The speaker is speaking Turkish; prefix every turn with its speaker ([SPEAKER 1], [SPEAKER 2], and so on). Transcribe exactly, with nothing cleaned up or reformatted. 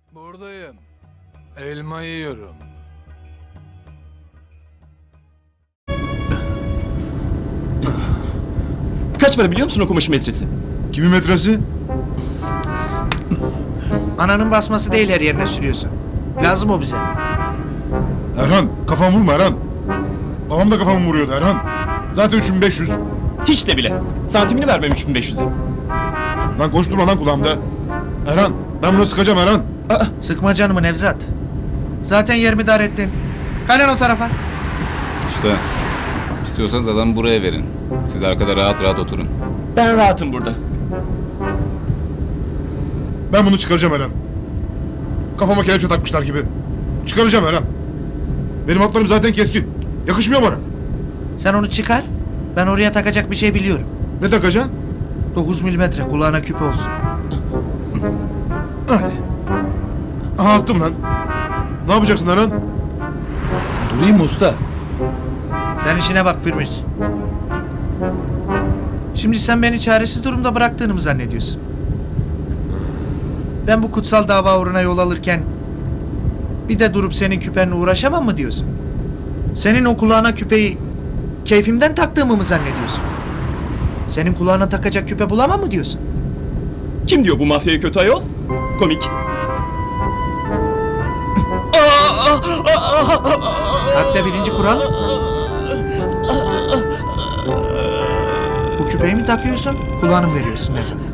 [SPEAKER 1] Buradayım. Elma yiyorum.
[SPEAKER 2] Kaç para biliyor musun o kumaşın metresi?
[SPEAKER 3] Kimin metresi?
[SPEAKER 4] Ananın basması değil, her yerine sürüyorsun. Lazım o bize.
[SPEAKER 3] Erhan kafamı vurma Erhan. Babam da kafamı vuruyordu Erhan. Zaten üç bin beş yüz.
[SPEAKER 2] Hiç de bile. Santimini vermem üç bin beş yüze.
[SPEAKER 3] Lan koşturma lan kulağımda. Erhan ben bunu sıkacağım Erhan.
[SPEAKER 4] Sıkma canımı Nevzat. Zaten yerimi dar ettin. Kalen o tarafa.
[SPEAKER 5] Usta, istiyorsanız adamı buraya verin. Siz arkada rahat rahat oturun.
[SPEAKER 2] Ben rahatım burada.
[SPEAKER 3] Ben bunu çıkaracağım Erhan. Kafama kelepçe takmışlar gibi. Çıkaracağım Erhan. Benim atlarım zaten keskin. Yakışmıyor bana.
[SPEAKER 4] Sen onu çıkar. Ben oraya takacak bir şey biliyorum.
[SPEAKER 3] Ne takacaksın?
[SPEAKER 4] dokuz milimetre kulağına küpe olsun.
[SPEAKER 3] Hadi. Aha attım lan. Ne yapacaksın Erhan?
[SPEAKER 2] Durayım mı usta?
[SPEAKER 4] Sen işine bak Firmiz. Şimdi sen beni çaresiz durumda bıraktığını mı zannediyorsun? Ben bu kutsal dava uğruna yol alırken bir de durup senin küpenle uğraşamam mı diyorsun? Senin o kulağına küpeyi keyfimden taktığımı mı zannediyorsun? Senin kulağına takacak küpe bulamam mı diyorsun?
[SPEAKER 2] Kim diyor bu mafyaya kötü ayol? Komik.
[SPEAKER 4] Harpte birinci kural. Bu küpeyi mi takıyorsun, kulağını mı veriyorsun Nevzat?